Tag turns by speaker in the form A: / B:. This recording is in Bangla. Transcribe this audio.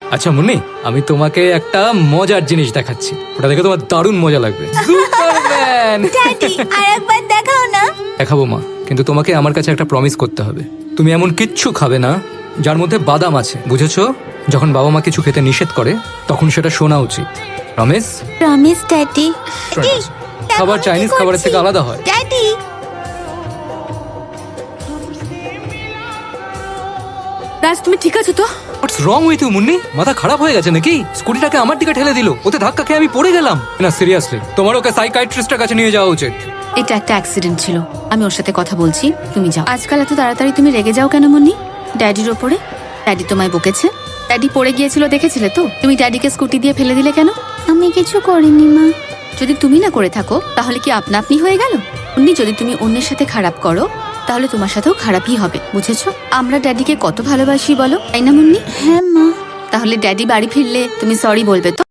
A: আচ্ছা মুন্নি, আমি তোমাকে একটা মজার জিনিস দেখাচ্ছি, ওটা দেখে তোমার দারুণ মজা লাগবে। সুপারম্যান!
B: ড্যাডি আরেকবার দেখাও না।
A: দেখাবো মা, কিন্তু তোমাকে আমার কাছে একটা প্রমিস করতে হবে। তুমি এমন কিচ্ছু খাবে না যার মধ্যে বাদাম আছে, বুঝেছো? যখন বাবা মা কিছু খেতে নিষেধ করে তখন সেটা শোনা উচিত। প্রমিস?
B: Promise daddy.
A: খাবার চাইনিজ খাবারের থেকে আলাদা হয়।
B: ড্যাডি
C: রাজ, তুমি ঠিক আছো তো?
A: What's wrong with you Munni? মাথা খারাপ হয়ে গেছে নাকি? স্কুটিটাকে আমার দিকে ঠেলে দিল, ওতে ধাক্কা খেয়ে আমি পড়ে গেলাম। না সিরিয়াসলি, তোমার ওকে সাইকিয়াট্রিস্টের কাছে নিয়ে যাওয়া উচিত।
C: এটা একটা অ্যাক্সিডেন্ট ছিল, আমি ওর সাথে কথা বলছি, তুমি যাও। আজকাল এত তাড়াতাড়ি তুমি রেগে যাও কেন মুন্নি? ড্যাডির ওপরে? ড্যাডি তোমায় বকেছে? ড্যাডি পড়ে গিয়েছিল, দেখেছিলে তো? তুমি ড্যাডিকে স্কুটি দিয়ে ফেলে দিলে কেন?
B: আমি কিছু করিনি মা।
C: যদি তুমি না করে থাকো তাহলে কি আপনা আপনি হয়ে গেল? মুন্নি, যদি তুমি অন্যের সাথে খারাপ করো তাহলে তোমার সাথেও খারাপই হবে, বুঝেছো? আমরা ড্যাডিকে কত ভালোবাসি বলো, তাই না মুন্নি?
B: হ্যাঁ মা।
C: তাহলে ড্যাডি বাড়ি ফিরলে তুমি সরি বলবে তো?